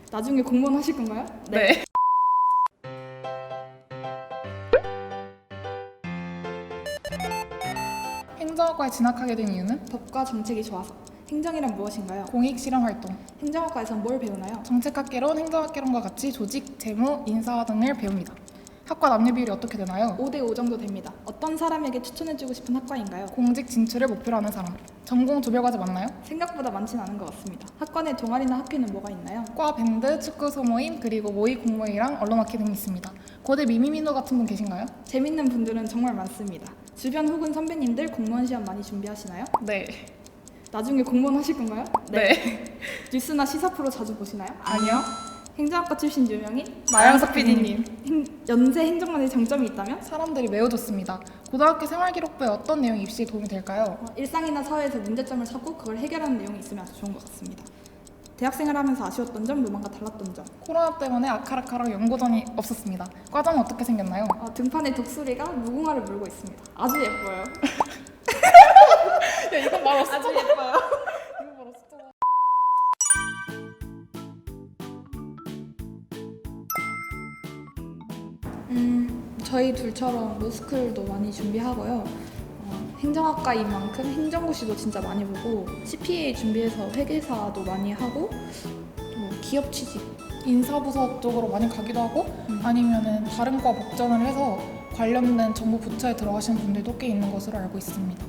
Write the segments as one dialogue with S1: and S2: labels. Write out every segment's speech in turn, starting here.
S1: 나중에 공무원 하실 건가요?
S2: 네. 행정학과에 진학하게 된 이유는
S1: 법과 정책이 좋아서. 행정이란 무엇인가요?
S2: 공익 실험 활동.
S1: 행정학과에선 뭘 배우나요?
S2: 정책학개론, 행정학개론과 같이 조직, 재무, 인사 등을 배웁니다. 학과 남녀 비율이 어떻게 되나요?
S1: 5대 5 정도 됩니다. 어떤 사람에게 추천해주고 싶은 학과인가요?
S2: 공직 진출을 목표로 하는 사람. 전공 조별과제 맞나요?
S1: 생각보다 많진 않은 것 같습니다. 학과 내 동아리나 학회는 뭐가 있나요?
S2: 과 밴드, 축구 소모임, 그리고 모의 공모회랑 언론학회 등이 있습니다. 고대 미미민호 같은 분 계신가요?
S1: 재밌는 분들은 정말 많습니다. 주변 혹은 선배님들 공무원 시험 많이 준비하시나요?
S2: 네.
S1: 나중에 공무원 하실 건가요?
S2: 네.
S1: 뉴스나 시사 프로 자주 보시나요?
S2: 아니요.
S1: 행정학과 출신 유명인
S2: 마영석 PD님.
S1: 연세 행정만의 장점이 있다면?
S2: 사람들이 매우 좋습니다. 고등학교 생활기록부에 어떤 내용이 입시에 도움이 될까요?
S1: 일상이나 사회에서 문제점을 찾고 그걸 해결하는 내용이 있으면 아주 좋은 것 같습니다. 대학생활 하면서 아쉬웠던 점, 로망과 달랐던 점.
S2: 코로나 때문에 아카라카랑 연고전이 없었습니다. 과정은 어떻게 생겼나요?
S1: 등판에 독수리가 무궁화를 물고 있습니다. 아주 예뻐요.
S2: 야, 이건 말 없어.
S1: 아주 예뻐요.
S2: 이건 말 없어.
S1: 저희 둘처럼 로스쿨도 많이 준비하고요. 행정학과인 만큼 행정고시도 진짜 많이 보고 CPA 준비해서 회계사도 많이 하고 또 기업 취직.
S2: 인사부서 쪽으로 많이 가기도 하고 아니면은 다른 과 복전을 해서 관련된 정부 부처에 들어가시는 분들도 꽤 있는 것으로 알고 있습니다.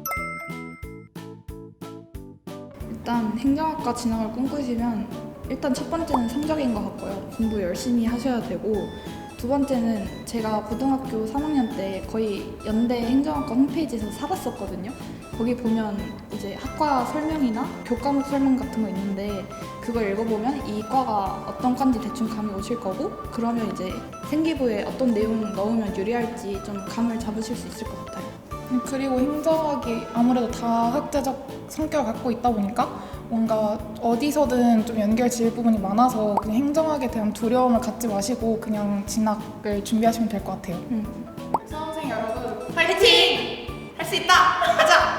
S1: 일단 행정학과 진학을 꿈꾸시면 일단 첫 번째는 성적인 것 같고요. 공부 열심히 하셔야 되고 두 번째는 제가 고등학교 3학년 때 거의 연대 행정학과 홈페이지에서 살았었거든요. 거기 보면 이제 학과 설명이나 교과목 설명 같은 거 있는데 그걸 읽어보면 이 과가 어떤 과인지 대충 감이 오실 거고 그러면 이제 생기부에 어떤 내용 넣으면 유리할지 좀 감을 잡으실 수 있을 것 같아요.
S2: 그리고 행정학이 아무래도 다학제적 성격을 갖고 있다 보니까 뭔가 어디서든 좀 연결 지을 부분이 많아서 그냥 행정학에 대한 두려움을 갖지 마시고 그냥 진학을 준비하시면 될 것 같아요. 수험생 여러분
S1: 파이팅! 할 수 있다! 가자!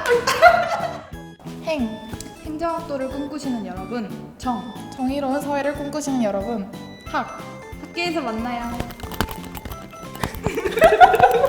S1: 행정학도를 꿈꾸시는 여러분,
S2: 정의로운 사회를 꿈꾸시는 여러분
S1: 학교에서 만나요.